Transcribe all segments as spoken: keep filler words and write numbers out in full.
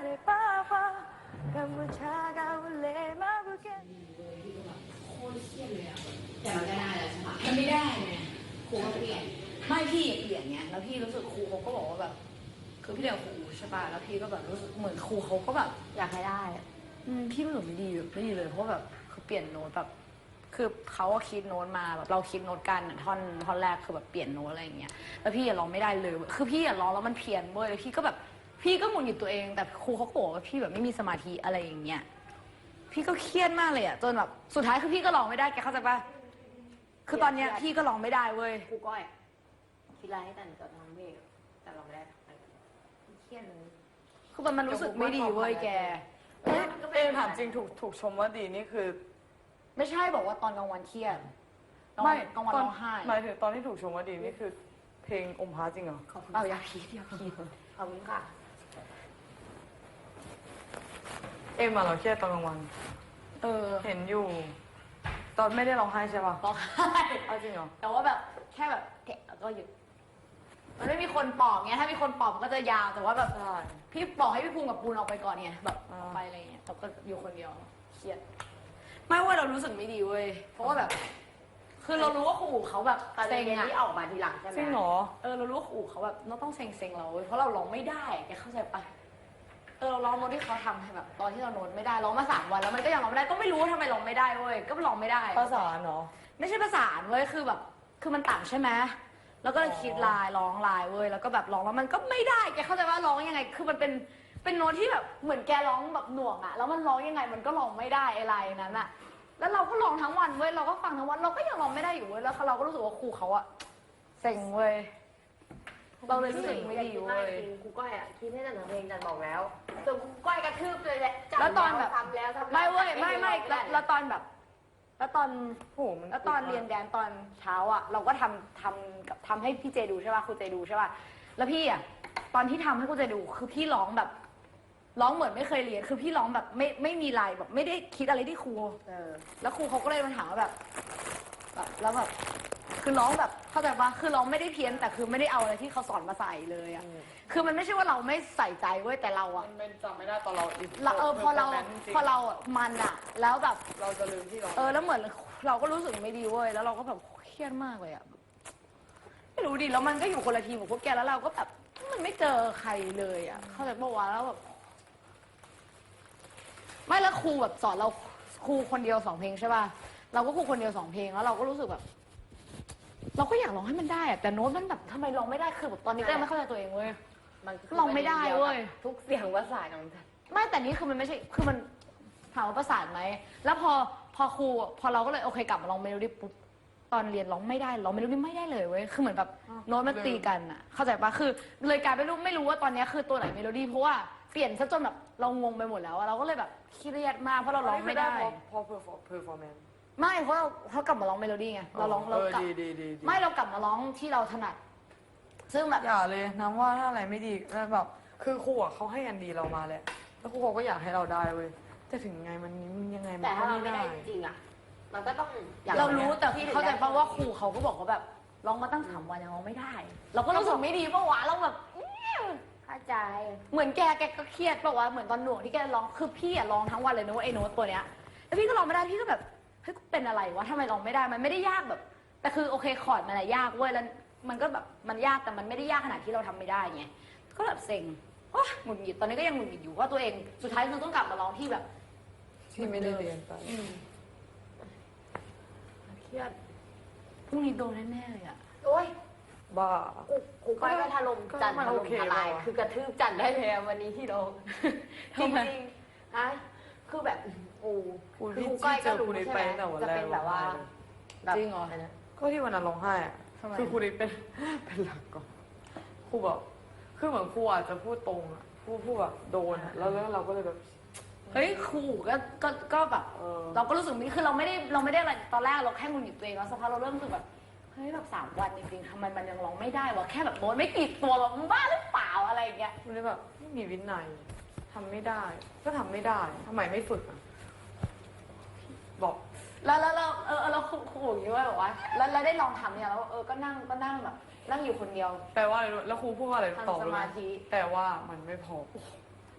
โคตรเครียดเลยอ่ะแต่มันก็ได้แล้วใช่ไหมมันไม่ได้ไงครูก็เปลี่ยนไม่พี่เปลี่ยนไงแล้วพี่รู้สึกครูเขาก็บอกว่าแบบคือพี่เรียนครูใช่ป่ะแล้วพี่ก็แบบรู้สึกเหมือนครูเขาก็แบบอยากให้ได้อืมพี่รู้สึกไม่ดีไม่ดีเลยเพราะแบบคือเปลี่ยนโน้ตแบบคือเขาคิดโน้ตมาแบบเราคิดโน้ตกันท่อนท่อนแรกคือแบบเปลี่ยนโน้ตอะไรอย่างเงี้ยแล้วพี่อย่าร้องไม่ได้เลยคือพี่อย่าร้องแล้วมันเพี้ยนเว้ยแล้วพี่ก็แบบพี่ก็หงุดหงิดตัวเองแต่ครูเขาบอกว่าพี่แบบไม่มีสมาธิอะไรอย่างเงี้ยพี่ก็เครียดมากเลยอะจนแบบสุดท้ายคือพี่ก็ร้องไม่ได้แกเข้าใจปะคือตอนเนี้ยพี่ก็ร้องไม่ได้เว้ยครูก้อยคิดอะไรให้แต่จะทำเพลงแต่เราไม่ได้เครียดเลยคือมันมันรู้สึกไม่ดีเว้ยแกเอ๊ะเอ๊ะถามจริงถูกถูกชมว่าดีนี่คือไม่ใช่บอกว่าตอนกลางวันเครียดไม่กลางวันร้องไห้หมายถึงตอนที่ถูกชมว่าดีนี่คือเพลงอมพระจริงเหรอขอบคุณเอาอย่าพีดอย่าพีดขอบคุณค่ะเอ็มอะเราเครียดตอนกลางวันเออเห็นอยู่ ตอนไม่ได้ร้องไห้ใช่ป่ะร้องไห้เอาจริงเหรอแต่ว่าแบบแค่แบบแกะแล้วก็หยุดมันไม่มีคนปอบเงี้ยถ้ามีคนปอบก็จะยาวแต่ว่าแบบพี่บอกให้พี่ภูมิกับปูนออกไปก่อนเนี่ยแบบออกไปอะไรเงี้ยแต่ก็อยู่คนเดียวเครียดไม่ว่าเรารู้สึกไม่ดีเว้ยเพราะว่าแบบคือเรารู้ว่าครูเขาแบบเซ็งอะที่ออกมาทีหลังใช่ไหมจริงเหรอเออเรารู้ว่าครูเขาแบบเราต้องเซ็งเซ็งเราเว้ยเพราะเราร้องไม่ได้แกเข้าใจปะเออเราร้องโน้ตที่เขาทำให้แบบตอนที่เราโน้ตไม่ได้ร้องมาสามวันแล้วมันก็ยังร้องไม่ได้ก็ไม่รู้ว่าทำไมร้องไม่ได้เว้ยก็ร้องไม่ได้ภาษาเนาะไม่ใช่ภาษาเว้ยคือแบบคือมันต่ำใช่ไหมแล้วก็คิดลายร้องลายเว้ยแล้วก็แบบร้องแล้วมันก็ไม่ได้แกเข้าใจว่าร้องยังไงคือมันเป็นเป็นโน้ตที่แบบเหมือนแกร้องแบบหน่วงอะแล้วมันร้องยังไงมันก็ร้องไม่ได้ไอ้ลายนั้นอะแล้วเราก็ร้องทั้งวันเว้ยเราก็ฟังทั้งวันเราก็ยังร้องไม่ได้อยู่เว้ยแล้วเราก็รู้สึกว่าครูเขาอะเซ็งเว้ยเราเลยรู้สึกไม่ดีเว้ยครูก้อยอะคิดให้แต่ทำเพลงจันบอกแล้วส่วนครูก้อยกระทืบเลยแหละแล้วตอนแบบทำแล้วทำไม่เว้ยไม่ไม่แล้วตอนแบบแล้วตอนโหมันแล้วตอนเรียนแดนตอนเช้าอ่ะเราก็ทำทำกับทำให้พี่เจดูใช่ป่ะครูเจดูใช่ป่ะแล้วพี่อ่ะตอนที่ทำให้ครูเจดูคือพี่ร้องแบบร้องเหมือนไม่เคยเรียนคือพี่ร้องแบบไม่ไม่มีลายแบบไม่ได้คิดอะไรที่ครูเออแล้วครูเขาก็เลยมาถามว่าแบบแบบแล้วแบบคือร้องแบบเข้าใจปะคือร้องไม่ได้เพี้ยนแต่คือไม่ได้เอาอะไรที่เขาสอนมาใส่เลยอ่ะคือมันไม่ใช่ว่าเราไม่ใส่ใจเว้ยแต่เราอ่ะมันจำไม่ได้ตอนเราเออพอเราพอเราอ่ะมันอ่ะแล้วแบบเราจะลืมที่เราเออแล้วเหมือนเราก็รู้สึกไม่ดีเว้ยแล้วเราก็แบบเครียดมากเลยอ่ะไม่รู้ดิแล้วมันก็อยู่คนละทีมกับพวกแกแล้วเราก็แบบมันไม่เจอใครเลยอ่ะเข้าใจปะวะแล้วแบบไม่แล้วครูแบบสอนเราครูคนเดียวสองเพลงใช่ป่ะเราก็ครูคนเดียวสองเพลงแล้วเราก็รู้สึกแบบเราก็อยากร้องให้มันได้อะแต่โน้ตมันแบบทำไมร้องไม่ได้คือแบบตอนนี้ก็ยังไม่เข้าใจตัวเองเว้ยมันร้องไม่ได้เว้ยทุกเสียงภาษาของจันไม่แต่นี้คือมันไม่ใช่คือมันถามว่าประสานไหมแล้วพอพอครูพอเราก็เลยโอเคกลับมาลองเมโลดี้ปุ๊บตอนเรียนร้องไม่ได้ร้องเมโลดี้ไม่ได้เลยเว้ยคือเหมือนแบบโน้ตมันตีกันอะเข้าใจปะคือเลยกลายเป็นรู้ไม่รู้ว่าตอนนี้คือตัวไหนเมโลดี้เพราะว่าเปลี่ยนซะจนแบบเรางงไปหมดแล้วเราก็เลยแบบเครียดมากเพราะเราร้องไม่ได้พอเพอร์เพอร์ฟอร์แมนซ์ไม่เพราะเราเขากลับมาร้องเมโลดี้ไงเราร้องเรากลับไม่เรากลับมาร้องที่เราถนัดซึ่งแบบอย่าเลยน้ำว่าถ้าอะไรไม่ดีแล้วแบบคือครูอ่ะเขาให้อันดีเรามาแหละแล้วครูเขาก็อยากให้เราได้เว้ยแต่ถึงไงมันยังไงมันแต่ถ้าเราไม่ไม่ได้ได้จริงอ่ะมันก็ต้องเรารู้แต่เข้าใจป่ะว่าครูเขาก็บอกว่าแบบร้องมาตั้งสามวันยังร้องไม่ได้เราก็รู้สึกไม่ดีป่ะวะเราแบบเข้าใจเหมือนแกแกก็เครียดป่ะวะเหมือนตอนหน่วงที่แกร้องคือพี่อะร้องทั้งวันเลยนะว่าไอ้โน้ตตัวเนี้ยแล้วพี่ก็ร้องไม่ได้พี่ก็แบบเฮ้ยเป็นอะไรวะทำไมร้องไม่ได้มันไม่ได้ยากแบบแต่คือโอเคคอร์ดมันอะยากเว้ยแล้วมันก็แบบมันยากแต่มันไม่ได้ยากขนาดที่เราทำไม่ได้ไงก็แบบเซ็งโอ๊ยหงุดหงิดตอนนี้ก็ยังหงุดหงิดอยู่ว่าตัวเองสุดท้ายคือต้องกลับมาร้องที่แบบที่ไม่ได้เรียนไปเครียดพรุ่งนี้โดนแน่ๆเลยอะโอ๊ยบ้าครูก้อยก็ถล่มจันถล่มทลายคือกระทืบจันได้เลยวันนี้ที่เราจริงจริงฮะคือแบบโอ้คือครูก้อยก็รู้ใช่ไหมจะเป็นแบบว่าจริงเหรอก็ที่วันนั้นร้องไห้อะคือครูนี่เป็นเป็นหลักก่อนครูแบบคือเหมือนครูอาจจะพูดตรงอะพูดพูดแบบโดนแล้วแล้วเราก็เลยแบบเฮ้ยครูก็ก็ก็แบบเราก็รู้สึกนี่คือเราไม่ได้เราไม่ได้อะไรตอนแรกเราแค่งุนหงิดตัวเองแล้วสักพักเราเริ่มรู้สึกแบบเฮ้ยแบบสามวันจริงๆทำไมมันยังร้องไม่ได้วะแค่แบบโน้ตไม่กี่ตัวเราบ้าหรือเปล่าอะไรอย่างเงี้ยมันเลยแบบไม่มีวินัยทำไม่ได้ก็ทำไม่ได้ทำไมไม่ฝึกอ่ะบอกแล้วแล้วเราเออเราครูอย่างนี้ว่าแบบว่าแล้วเราได้ลองทำเนี่ยแล้วเออก็นั่งก็นั่งแบบนั่งอยู่คนเดียวแปลว่าอะไรแล้วครูพูดว่าอะไรต่อทำสมาธิแต่ว่ามันไม่พอ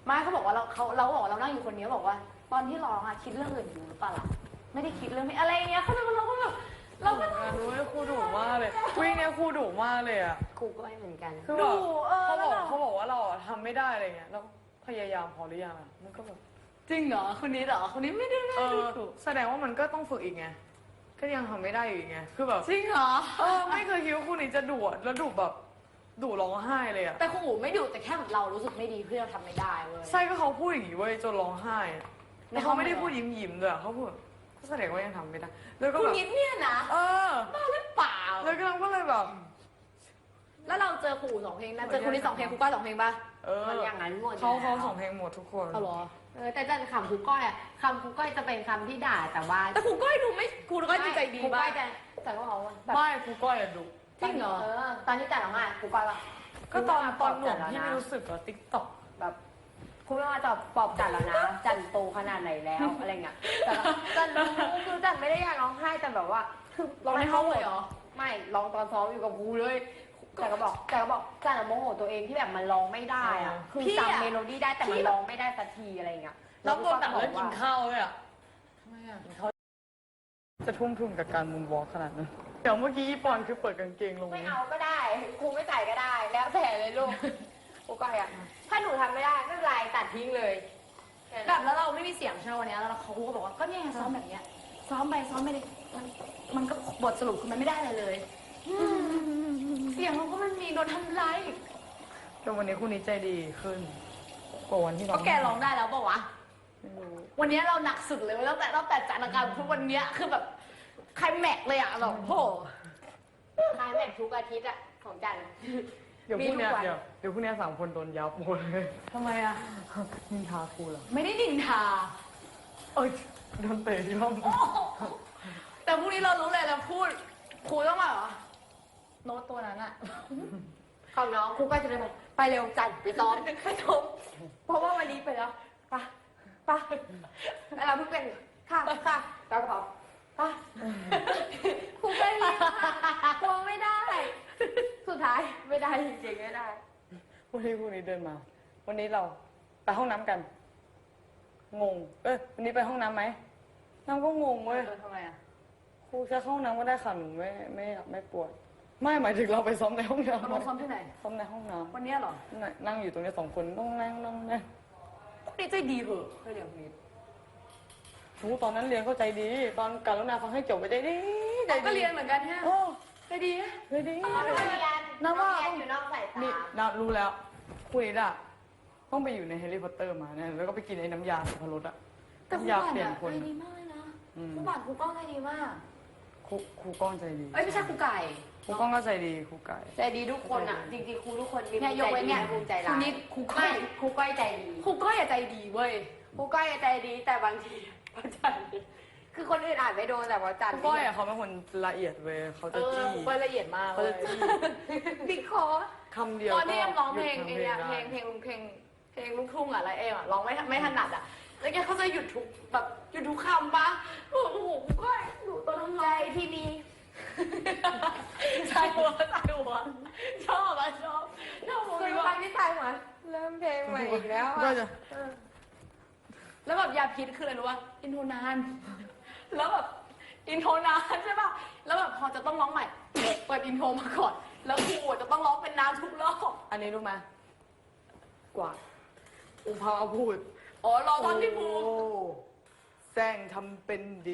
มาเขาบอกว่าเราเขาเราก็บอกว่าเรานั่งอยู่คนเดียวบอกว่า ตอนที่ร้องอะคิดเรื่องอื่นอยู่หรือเปล่าล่ะไม่ได้คิดเรื่องไม่อะไรเงี้ยเขาจะมาเราก็แบบเราก็ดูให้ครูดุมากเลยวิ่งเนี่ยครูดุมากเลยอ่ะครูก็ไม่เหมือนกันคือแบบเขาบอกเขาบอกว่าเราอะทำไม่ได้อะไรเงี้ยแล้วพยายามพอหรือยังอ่ะมันก็แบบจริงเหรอคนนี้เหรอคนนี้ไม่ได้เอไม่อดูแสดงว่ามันก็ต้องฝึกอีกไงก็ยังทำไม่ได้อยู่อีกไงคือแบบจริงเหรอเออไม่เคยคิดว่าคู่นี้จะดุอะแล้วดุแบบดุร้องไห้เลยอะแต่ครูไม่ดูแต่แค่แบบเรารู้สึกไม่ดีเพื่อเราทำไม่ได้เว้ยใช่ก็เขาพูดอย่างนี้เว้ยจนร้องไห้อะในแล้วห้อเขางไม่ได้เลยเหรอพูดยิ้มยิ้มๆด้วยอะเขาพูดก็แสดงว่ายังทำไม่ได้แล้วก็คุณแบบนิดเนี่ยนะเออบ้าหรือเปล่าแล้วก็เราก็เลยแบบแล้วเราเจอครูสองเพลงนะเจอครูนี้สองเพลงครูก้อยสองเพลงป่ะเออมันอย่างนั้นหมดเขาอยู่เขาแล้วสองเพลงหมดทุกคนเอาเหรอเออแต่จันคำครูก้อยอะคำครูก้อยจะเป็นคำที่ด่าแต่ว่าแต่ครูก้อยดูไม่ครูก้อยดูใจดีครูก้มาอก ยจะแต่ว่าเขาแบบไม่ครูก้อยอะดุจริงเหรอเออตอนที่จันร้องไห้ครูก้อยว่าก็ตอนตอนหนุ่มจัดที่แล้วไม่นะรู้สึกอะติ๊กต็อกแบบครูไม่มาตอบปลอบจันแล้วนะจันโตขนาดไหนแล้วอะไรเงี้ยแต่ว่าจันรู้คือจันไม่ได้อยากร้องไห้แต่แบบว่าคือร้องในห้องเลยเหรอไม่ร้องตอนซ้อมอยู่กับครูเลยแต่ก็บอกแต่ก็บอกจันอะโมโหตัวเองที่แบบมันร้องไม่ได้อะคือพี่อะจำเมโลดี้ได้แต่มันร้องไม่ได้สักทีอะไรเงี้ยน้องโดนตัดแล้วกินข้าวเลยอะทำไมอะกินข้าวจะทุ่มทุนกับการมุนวอล์กขนาดนั้นเดี๋ยวเมื่อกี้อีปอนคือเปิดกางเกงลงไม่เอาก็ได้ครูไม่ใส่ก็ได้ แล้วแต่เลยลูกครูก้อยอะถ้าหนูทำไม่ได้ไม่เป็นไรตัดทิ้งเลยแบบแล้วเราไม่มีเสียงใช่ไหมวันเนี้ยแล้วเขาก็บอกว่าก็เนี่ยซ้อมแบบเนี้ยซ้อมไปซ้อมไปเลยมันมันก็บทสรุปคือมันไม่ได้อะไรเลยเสียงเราก็มันมีโดนทำร้ายอีกแต่วันนี้คู่นี้ใจดีขึ้นกว่าวันที่เราก็แกร้องได้แล้วเปล่าวะไม่รู้วันเนี้ยเราหนักสุดเลยตั้งแต่ตั้งแต่จัดรายการคือวันเนี้ยคือแบบใครแม็กเลยอะแบบโหคลายแม็กทุกอาทิตย์อะของจันเดี๋ยวพรุ่งเนี้ยมีทุกวันเดี๋ยวเดี๋ยวพรุ่งเนี้ยสามคนโดนยับหมดเลยทำไมอะนินทาครูเหรอไม่ได้นินทาเอ้ยโดนเตะที่ห้องแต่พรุ่งนี้เรารู้เลยเราพูดครูต้องมาเหรอโน้ตตัวนั้นอะของน้องครูก็จะเลยบอกไปเร็วจันไปซ้อมไปซ้อมเพราะว่าวันนี้ไปแล้วไปไปแล้วเราเพิ่งเป็นค่ะค่ะเราก็บอกไปครูไม่ได้กลัวไม่ได้ สุดท้ายไม่ได้จริงๆไม่ได้วันนี้คู่นี้เดินมา วันนี้เราไปห้องน้ำกัน งง เอ้ยวันนี้ไปห้องน้ำไหมน้ำก็งงเว้ยทำไมอะครูจะเข้าห้องน้ำก็ได้ค่ะหนูไม่ไม่ไม่ปวด ไม่หมายถึงเราไปซ้อมในห้องน้ำเราซ้อมที่ไหนซ้อมในห้องน้ำวันเนี้ยเหรอนั่งนั่งอยู่ตรงนี้สองคนต้องนั่งนั่งนั่งนี่ใจดีเหอะเคยเรียนคนนี้หนูตอนนั้นเรียนเข้าใจดี ตอนการุณาฟังให้จบไปใจดีใจแต่ดีก็เรียนเหมือนกันฮะโอ้ใจดีนะใจดีน้องเรียนน้ำว่าน้องเรียนอยู่นอกสายตานี่นารู้แล้วคุยด่ะต้องไปอยู่ในแฮร์รี่พอตเตอร์มาเนี่ยแล้วก็ไปกินไอ้น้ำยาสับปะรดอะแต่ครูน้ำยาบาทเปลี่ยนอะคนใจดีมากเลยนะอืมครูบาทครูก้องใจดีมากครูครูก้องใจดีเอ้ยไม่ใช่ครูไก่ครูก้องก็ใจดีครูไก่ใจดีทุกคนอ่ะ จริงๆครูทุกคนมีเนี่ยยกเว้นเนี่ยครูใจครูร้ายนิดครูก้อไม่ยครูก้อยใจดีครูก้อยอะใจดีเว้ยครูก้อยใจดีแต่บางทีพระจันทร์คือคนอื่นอ่านไม่โดนแต่พระจันคทรูร์ก้อยอะเขาเป็นคนละเอียดเว้ยเขาเอจะอจี้ครูก้อยละเอียดมากเขาเลจะยจี้บิ๊กคอคำเดียวตอนที่เอ็มร้องเพลงก็ไอ้เนี่ยหเพลยุงดเพลงเพลงเพลงลูกทุ่งอะอะไรเอ็มอะร้องไม่ไม่ถนัดอะแล้วแกเขาจะหยุดทุกแบบหยุดทุกคำปะโอ้โหครูก้อยหนูตัวน้ำใจลายที่มีใช่หัวใช่หัวชอบอะชอบชอบเคหัยว ฟังที่ตายหัวเริ่มเพลงใหม่อีกแล้วก็อ่ะจะแล้วแบบยาพิษคืออะไรรู้ป่ะอินโทรนาน แล้วแบบอินโทรนานใช่ป่ะแล้วแบบพอจะต้องร้องใหม่ เปิดอินโทรมาก่อน แล้วครูจะต้องร้องเป็นน้ำทุกรอบอันนี้รู้ไหมกว่าอุภาพูดอ๋อรอตอนที่ครูโอ้แซงทำเป็นดี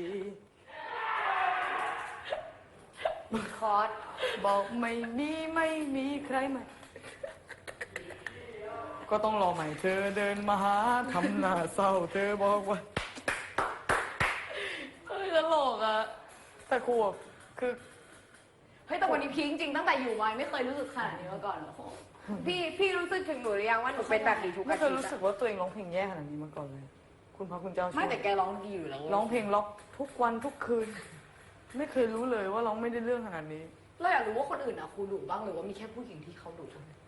คอร์สบอกไม่มีไม่มีใครใหม่ ก็ต้องรอใหม่เธอเดินมาหาทำหน้าเศร้าเธอบอกว่าเฮ้ยตลกอะแต่ครูอะคือเฮ้ยแต่วันนี้พีคจริงๆตั้งแต่อยู่มาไม่เคยรู้สึกขนาดนี้มาก่อนเลยพี่พี่รู้สึกถึงหนูหรือยังว่าหนูเป็นแบบนี้ทุกไม่อาเคทิยตย์รู้สึกอะว่าตัวเองร้องเพลงแย่ขนาดนี้มาก่อนเลย คุณพระคุณเจ้าช่วยไม่แต่แกร้องดีอยู่แล้วร้องเพลงล็อกทุกวันทุกคืน ไม่เคยรู้เลยว่าร้องไม่ได้เรื่องขนาดนี้เราอยากรู้ว่าคนอื่นอะครูดุบ้างหรือว่ามีแค่ผู้หญิงที่เขาดุ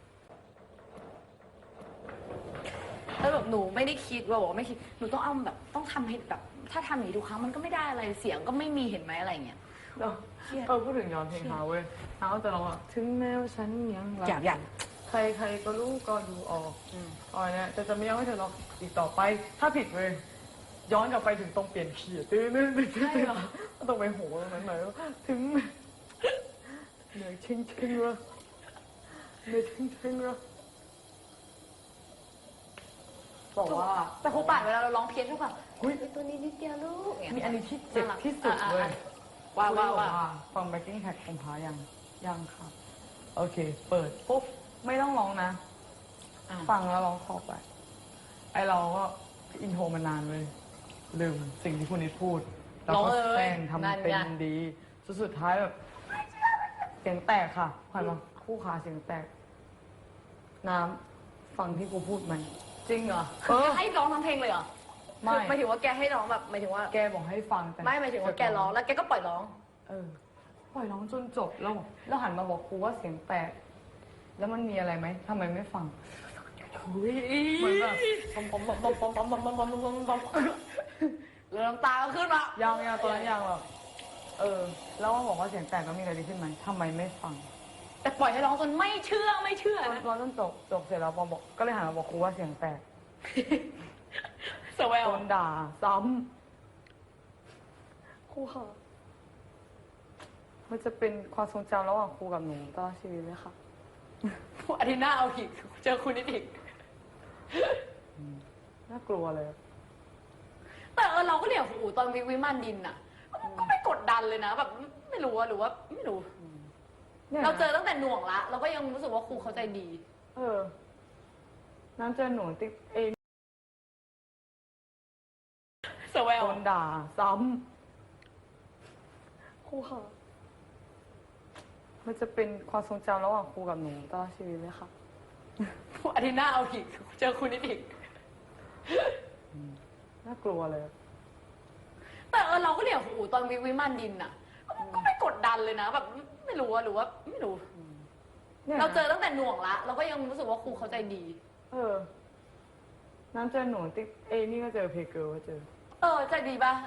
แล้วแบบหนูไม่ได้คิดว่าบอกว่าไม่คิดหนูต้องเอาแบบต้องทำให้แบบถ้าทำอย่างนี้ทุกครั้งมันก็ไม่ได้อะไรเสียงก็ไม่มีเห็นไหมอะไรเงี้ยเออพูดถึงย้อนเพลงเท้าเว้ยเท้าจะร้องอ่ะถึงแม้ว่าฉันยังรักอยากอยากทใครใครก็รู้ก็ดูออกอ๋อเนี่ยจะจะไม่ยอมให้เธอร้องอีกต่อไป ถ้าผิดเลยย้อนกลับไปถึงตรงเปลี่ยนขีดตื้อตื้อตื้อตื้อตรงไปโหตรงนั้นหน่อยถึงเหนื่อยชิงชิงเลยเหนื่อยชิงชิงเลยบอกว่าแต่ครูป่านเวลาเราร้องเพี้ยนทุกแบบอุ้ยตัวนี้นิดเดียวลูกมีอันนี้ที่เจ็บที่สุดเลยว่าว่าว่าฟัง backing track ของพายังยังค่ะโอเค เปิดปุ๊บไม่ต้องร้องนะ ฟังแล้วร้องคอไป ไอเราก็อินโทรมานานเลย ลืมสิ่งที่คุณนิดพูด แล้วก็แซงทำเป็นดีสุดสุดท้ายแบบ เสียงแตกค่ะผ่านมาคู่ขาเสียงแตก น้ำฟังที่กูพูดไหมจริงเหรอเออให้ร้องทั้งเพลงเลยเหรอไม่หมายถึงว่าแกให้ร้องแบบหมายถึงว่าแกบอกให้ฟังแต่ไม่หมายถึงว่าแกร้องแล้วแกก็ปล่อยร้องเออปล่อยร้องจนจบแล้วแล้วหันมาบอกครูว่าเสียงแตก แล้วมันมีอะไรไหมทำไมไม่ฟังเหมือนแบบปอมปอมปอมปอมปอมปอมปอมปอมปอมปอมปอมแล้วน้ำตาก็ขึ้นมายังยังตอนนั้นยังแบบเออ แล้วมาบอกว่าเสียงแตกแล้วมีอะไรดีขึ้นไหมทำไมไม่ฟังแต่ปล่อยให้ร้องจนไม่เชื่อไม่เชื่อตอนนะตอนจนจบจบเสร็จแล้วปอมบอกก็เลยหันมาบอกครูว่าเสียงแตกสวลโดนด่าซ้ำครูค่ะมันจะเป็นความทรงจำระหว่างครูกับหนูตลอดชีวิตเลยค่ะอาทิตย์หน้าเอาอีกเจอคุณนิดอีกน่ากลัวเลยแต่เออเราก็เรียกครูตอนวิวิมานดินอะก็ไม่กดดันเลยนะแบบไม่รู้อะหรือว่าไม่รู้นี่ยเราเจอตั้งแต่หน่วงละเราก็ยังรู้สึกว่าครูเขาใจดีเออ น้ำเจอหนูติ๊กเองสวลโดนด่าซ้ำครูค่ะ มันจะเป็นความทรงจำระหว่างครูกับหนูตลอดชีวิตเลยค่ะอาทิตย์หน้าเอาอีกเจอคุณนิดอีกน่ากลัวเลยแต่เออเราก็เรียกครูตอนวิวิมานดินอะก็ไม่กดดันเลยนะแบบไม่รู้อะหรือว่าไม่รู้นี่ยเราเจอตั้งแต่หน่วงละเราก็ยังรู้สึกว่าครูเขาใจดีเออ น้ำเจอหนูติ๊กเอยนี่ก็เจอเพเกิลก็เจอเออใจดีปะ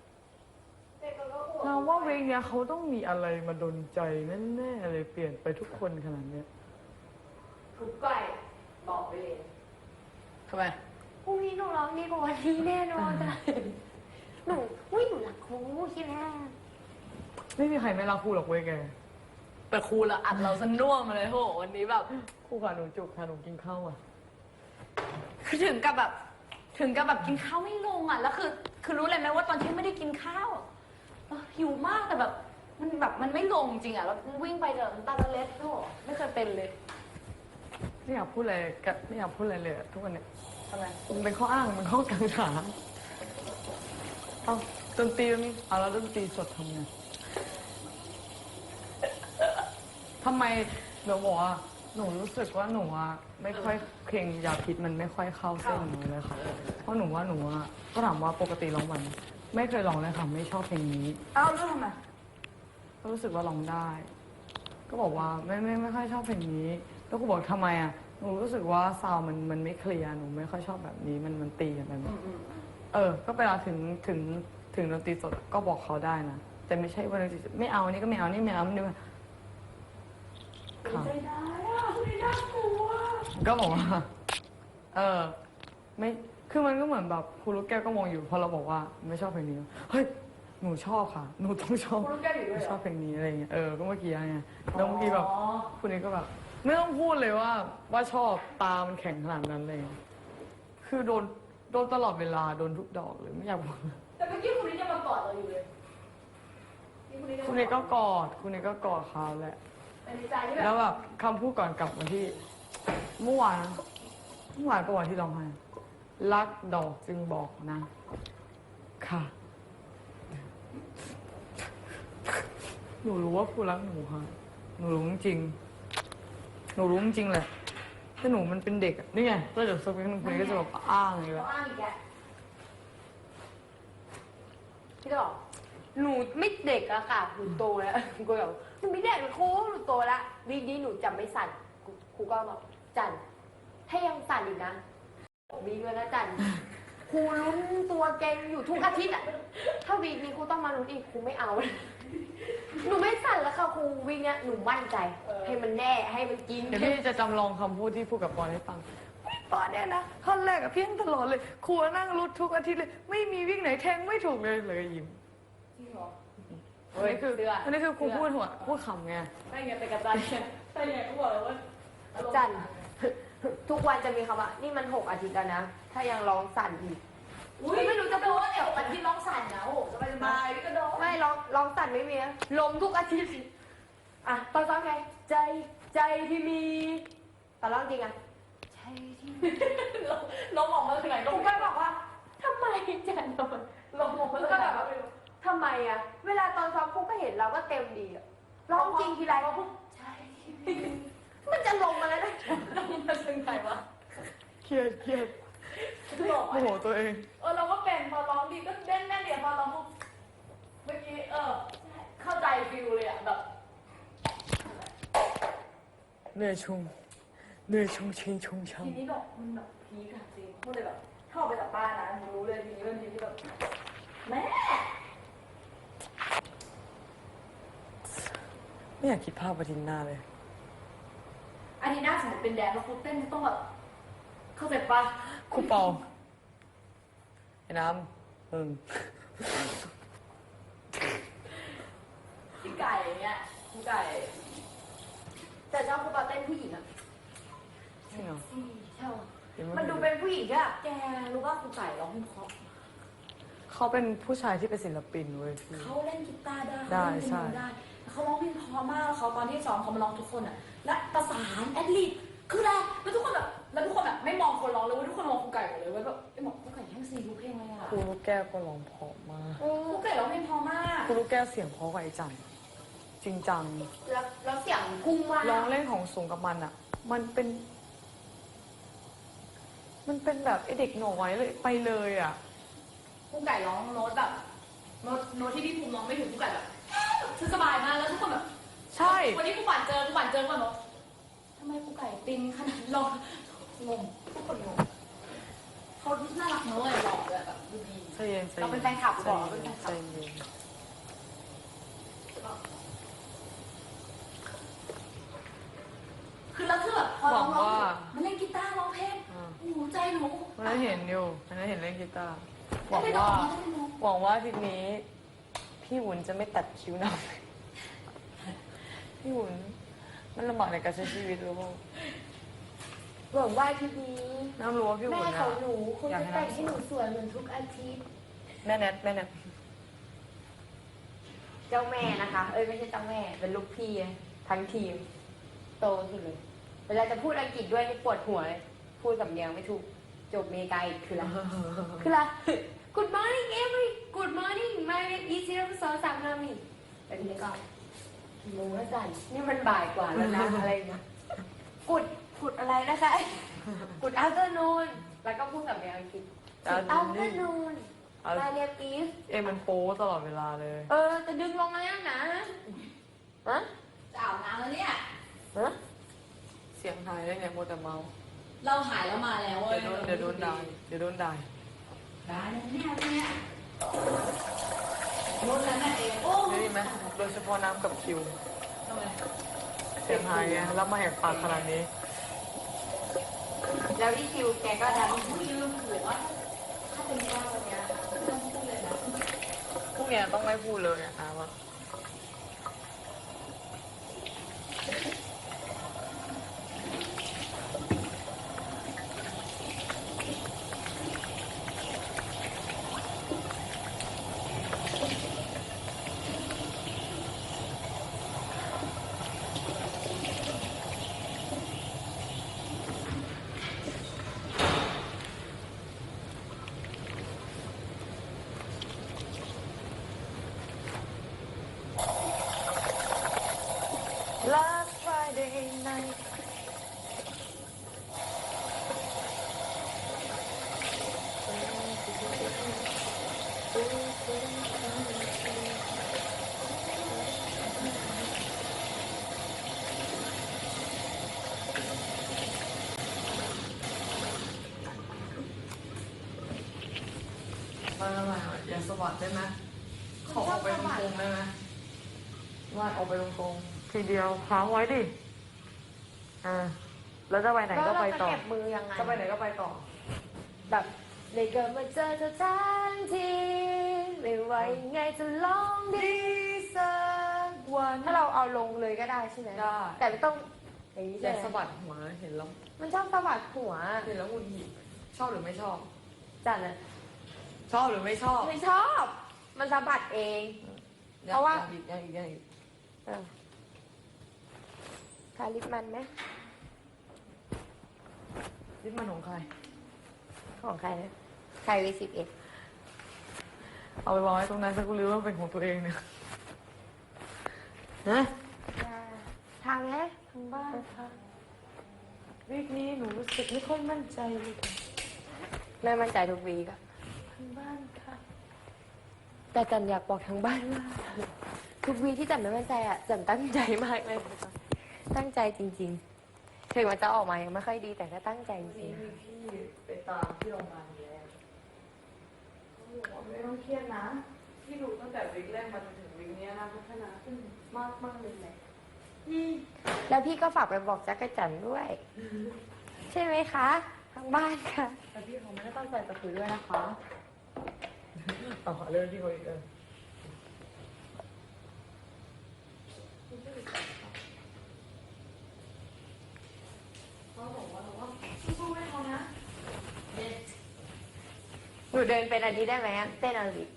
เราว่าเพลงเนี้ยเขาต้องมีอะไรมาดนใจแน่ๆเลยเปลี่ยนไปทุกคนขนาดเนี้ยทุกไก่บอกไปเลยทำไมพรุ่งนี้หนูร้องดีกว่าวันนี้แน่นอนจ้ะหนูอุ้ยหนูรักครูใช่ไหมไม่มีใครไม่รักครูหรอกเว้ยแกแต่ครูละอัดเราสน่วมมาเลยโหวันนี้แบบครูค่ะหนูจุกค่ะหนูกินข้าวอ่ะคือถึงกับแบบ ถึงกับแบบกินข้าวไม่ลงอ่ะแล้วคือ คือรู้เลยไหมว่าตอนที่ไม่ได้กินข้าวอะเออหิวมากแต่แบบ มันแบบมันไม่ลงจริงอ่ะแล้ววิ่งไปเดินตาละเล็ดโหไม่เคยเป็นเลยไม่อยากพูดอะไรกับไม่อยากพูดอะไรเลยอะทุกวันเนี้ยทำไมมันเป็นข้ออ้างมันข้อกังขาเอาดนตรีมันเอาแล้วดนตรีสดทำไงทำไมหนูบอกว่าหนูรู้สึกว่าหนูอะไม่ค่อยเพลงยาพิษมันไม่ค่อยเข้าเส้นหนูเลยค่ะเพราะหนูว่าหนูอะก็ถามว่าปกติร้องมันไม่เคยร้องเลยค่ะไม่ชอบเพลงนี้เอ้าแล้วทำไมก็รู้สึกว่าร้องได้ ก็บอกว่าไม่ไม่ไม่ค่อยชอบเพลงนี้ แล้วก็บอกทำไมอ่ะ หนูรู้สึกว่าซาวด์มันมันไม่เคลียร์ หนูไม่ค่อยชอบแบบนี้ มันมันตีกันไปหมดเออ ก็เวลาถึงถึงถึงดนตรีสดก็บอกเขาได้นะ แต่ไม่ใช่ว่าดนตรีสดไม่เอาอันนี่ก็ไม่เอา นี่ไม่เอานี่ไม่ค่ะใจได้อะไม่น่ากลัวก็บอกว่า เออ ไม่ คือมันก็เหมือนแบบครูลูกแก้วก็มองอยู่ พอเราบอกว่าไม่ชอบเพลงนี้ เฮ้ย หนูชอบค่ะ หนูต้องชอบครูลูกแก้วอยู่ด้วยเหรอชอบเพลงนี้อะไรเงี้ย เออ ก็เมื่อกี้ไงแล้วเมื่อกี้แบบ คุณนี้ก็แบบ ไม่ต้องพูดเลยว่า ว่าชอบตามันแข็งขนาดนั้นเลย คือโดนโดนตลอดเวลา โดนทุกดอกเลย ไม่อยากบอกแต่เมื่อกี้คุณนี่จะมากอดเราอยู่เลยคุณนี้ก็กอด คุณนี้ก็กอดเขาแหละแต่ในใจที่แบแล้วบแบบคำพูดก่อนกลับวันที่ เมื่อวานเมื่อวานก็วันที่ร้องไห้รักดอกจึงบอกนะ ค่ะ หนูรู้ว่าครูรักหนูค่ะ หนูรู้จริงๆหนูรู้จริงๆแหละแต่หนูมันเป็นเด็กอะนี่ไงแล้วเดี๋ยวสักพักหนึงคุณก็จะแบบอ้างอย่างนี้แหละอ้างอีกแกพี่จะบอกหนูไม่เด็กอะค่ะหนูโตแล้วกูแบบหนูไม่เด็กหนูครูหนูโตแล้ววีคนี้หนูจะไม่สั่นครูก็บอกจันถ้ายังสั่นอีกนะวีคแล้วนะจันครูลุ้นตัวเก่งอยู่ทุกอาทิตย์อะถ้าวีคนี้ครูต้องมาลุ้นอีกครูไม่เอาหนูไม่สั่นแล้วค่ะครูวิ่งเนี่ยหนูมั่นใจ ให้มันแน่ให้มันกินเดี๋ยวพี่จะจำลองคำพูดที่พูดกับปอนให้ฟังปอนเนี่ยนะท่อนแรกอะเพี้ยนตลอดเลยครูนั่งรุดทุกอาทิตย์เลย ไม่มีวิ่งไหนแทงไม่ถูกเลยเลยยิ้มจริงเหรออันนี้คือเชื่ออันนี้คือครูพูดหัวพูดขำไงไม่ไงไปกับจันใช่ไงก็บอกเลยว่าจันทุกวันจะมีคำว่านี่มันหกอาทิตย์แล้วนะ ถ้ายังร้องสั่นอีกอุ้ยไม่รู้จะโดนเดี๋ยววันที่ร้องสั่นนะโอ้โหสบายสบายก็โดนไม่ร้องร้องสั่นไม่มีนะลมทุกอาทิตย์อ่ะตอนซ้อมไงใจใจที่มีตอนร้องจริงอ่ะใจที่มีน้องออกมาจากไหนครูก็บอกว่าทำไมจันทำไมลงออกมาแล้วจากก็ไหนแบบว่าทำไมอ่ะ เวลาตอนซ้อมครูก็เห็นเราก็เต็มดีอ่ะร้องจริงทีไรใจที่มีมันจะลงมาแล้วนะลงมาจากไหนวะเครียดเครียดหลอกโมโหตัวเองเออเราก็เป็นพอร้องดีก็เด่นแน่นเดียวพอร้องปุ๊บเมื่อกี้เออเข้าใจฟิลเลยอ่ะแบบเหนื่อยชุงเหนื่อยชุงชิงชุงชังทีนี้แบบมันแบบพีคอะจริงพูดเลยแบบเข้าไปจากบ้านนะผมรู้เลยทีนี้เป็นทีที่แบบแม่ไม่อยากคิดภาพอาทิตย์หน้าเลยอาทิตย์หน้าสมมติเป็นแดนแล้วคุณเต้นต้องแบบเข้าใจปะครูเปาไอ้น้ำมึงพี่ไก่อย่างเงี้ยพี่ไก่แต่ชอบครูปาเต้นผู้หญิงอ่ะจริงเหรอใช่เห็นไหมันดูเป็นผู้หญิงอ่ะแกรู้ว่าครูไก่ร้องเพลงเพราะเขาเป็นผู้ชายที่เป็นศิลปินเว้ยพี่เขาเล่นกีตาร์ได้ได้เขาเล่นเปียใช่โนได้เขาร้องเพลงเพราะมากแล้วเขาตอนที่ซ้อมเขามาร้องทุกคนอ่ะ และประสานแอดลิบคืออะไรแล้วทุกคนแบบแล้วทุกคนแบบไม่มองคนร้องเลยเว้ยทุกคนมองครูไก่หมดเลยเว้ยแบบไอ้บอกครูไก่แห้งซีทุกเพลงเลยอ่ะครูลูกแก้วก็ร้องเพราะมากครูไก่ร้องเพลงเพราะมากครูลูกแก้วเสียงเพราะกว่าไอ้จันจริงจังแล้วแล้วเสียงพุ่งมากร้องเล่นของสูงกับมันอ่ะ มันเป็น มันเป็นแบบไอเด็กหน่อยเลยไปเลยอ่ะครูไก่ร้องโน้ตแบบโน้ตโน้ตที่พี่ภูมิร้องไม่ถึงครูไก่แบบคือสบายมากแล้วทุกคนแบบใช่วันนี้ครูป่านเจอครูป่านเจอก่อนบอกทำไมครูไก่ตินขนาดนี้เรางงทุกคนงงเขาน่ารักเนอะเลยหล่อเลยแบบดูดีใจเย็นใจเราเป็นแฟนคลับบอกเราเป็นแฟนคลัใจบเย็นคือแล้วคือแบบพอร้องร้องมันเล่นกีตาร์ร้องเพลงอ่าโอ้โหใจหนูวันนั้นเห็นอยู่วันนั้นเห็นเล่นกีตาร์หแล้วัวงไปร้อว่างแล้วไปร้องหวังว่าอาทีนี้ พี่หวุนจะไม่ตัดคิ้วน้ำ พี่หวุนมันลำบากในการใช้ชีวิตรู้ป่ะหวังว่าทีนี้น้ำรู้ว่าพี่หวุแม่นขอะองหนูคงจะแต่งให้หนูสวยเหมือนทุกอาทิตย์แม่แนทแม่แนทเจ้าแม่นะคะ เอ้ยไม่ใช่เจ้าแม่ เป็นลูกพี่อะทั้งทีม โตสุดเลย เวลาจะพูดอังกฤษด้วยนี่ปวดหัวเลย พูดสำเนียงไม่ถูก จบเมกาอีกคืออะไร คืออะไร Good morning every Good morning my name is ซีโร่สองสามนามีแต่ทีนี้ก็กี่โมงแล้วจันนี่มันบ่ายกว่าแล้วนะ อะไรนะกุดกุดอะไรนะคะ กุด afternoon แล้วก็พูดสำเนียงอังกฤษ afternoon my name is เอ็มมันโป๊ตลอดเวลาเลยเออจะดึงลงมาแล้วนะฮะจะอาบน้ำแล้วเนี่ยฮะเสียงหายได้ไงโมวแต่เมาเราหายแล้วมาแล้วเว้เดี๋ยยวโดนเดี๋ยวโดนด่าเดี๋ยวโดนด่าได้เนี่ยเนี่ยโน้ตนั้นน่ะเองโอ้ได้ยินไหมโดยเฉพาะน้ำกับคิวทำไมเสียงหายไงแล้วมาแหกปากขนาดนี้แล้วที่คิวแกก็ดันผู้ยืมหัวถ้าเป็นแก้ววันเนี้ยไม่ต้องพูดเลยนะพวกเนี้ยต้องไม่พูดเลยนะคะว่า Last Friday night มาทำไมอ่ะอย่าสวัสดได้ไหมขอออกไปตรงๆได้ไหมว่าออกไปตรงๆทีเดียวค้างไว้ดิอ่าแล้วจะไปไหนก็ไปต่อแล้วเราจะเก็บมือยังไงจะไปไหนก็ไปต่อแบบเลยเกิดมาเจอเธอทันทีไม่ไหวไงจะลองดีสักวันถ้าเราเอาลงเลยก็ได้ใช่ไหมได้แต่ไม่ต้องอย่างนี้อใช่ย่าไหมสะบัดหัวเห็นแล้วมันชอบสะบัดหัวเห็นแล้วหงุดหงิดชอบหรือไม่ชอบจัดเลยชอบหรือไม่ชอบไม่ชอบ มันสะบัดเอง เพราะว่ายังอีกยังอีกยังอีกเออทาลิปมันไหมลิปมันของใครของใครนะใครวีสิบเอ็ดเอาไปวางไว้ตรงนั้นฉันก็รู้ว่าเป็นของตัวเองเนี่ยนะทางไหมทางบ้านวีคนี้หนูรู้สึกไม่ค่อยมั่นใจเลยไม่มั่นใจทุกวีกอะทางบ้านค่ะแต่จันอยากบอกทางบ้านว่า ทุกวีที่จันไม่มั่นใจอะจันตั้งใจมากเลยตั้งใจจริงๆ ถึงมันจะออกมายังไม่ค่อยดีแต่ก็ตั้งใจจวันรินี้งมีพี่ไปตามที่โรงพยาบาลแล้วเขาบอกว่าไม่ต้องเครียดนะพี่ดูตั้งแต่วิกแรกมาจนถึงวิกนี้นะพัฒนาขึ้นมากมากๆเลยแหละๆแล้วพี่ก็ฝากไปบอกจักรจันด้วย ใช่ไหมคะทางบ้านค่ะแต่พี่เขาไม่ได้ตั้งใจจะคุยด้วยนะคะต่อเรื่องที่เขาอีกเออเขาบอกว่าเราว่าสู้ๆให้เขานะหนูเดินเป็นอันนี้ได้ไหมอะเต้นอาราบิก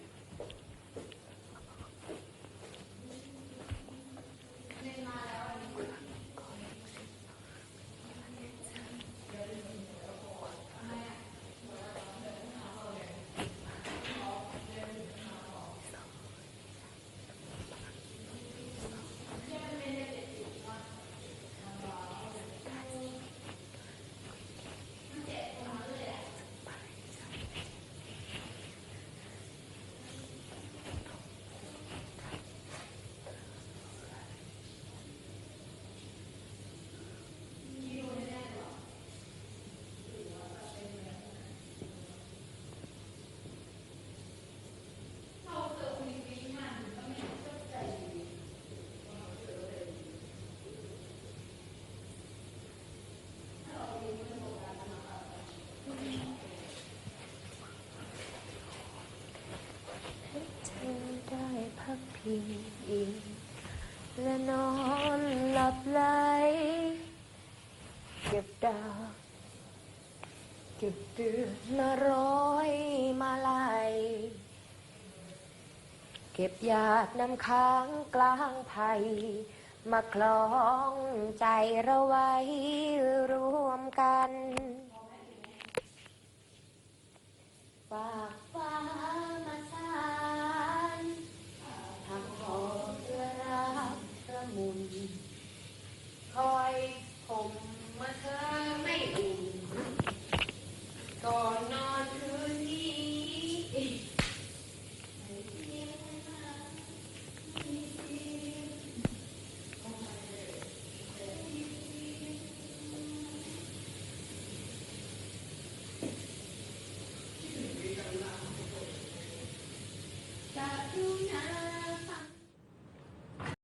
ฉันได้พักพิงอิงและนอนหลับไหลเก็บดาวเก็บเดือนมาร้อยมาลายเก็บหยาดน้ำค้างกลางไผ่มาคล้องใจเราไว้รวมกันฝากฟ้ามาสานทำหอมเพื่อรักละมุนคอยผมเมื่อเธอไม่อุ่นก่อนนอ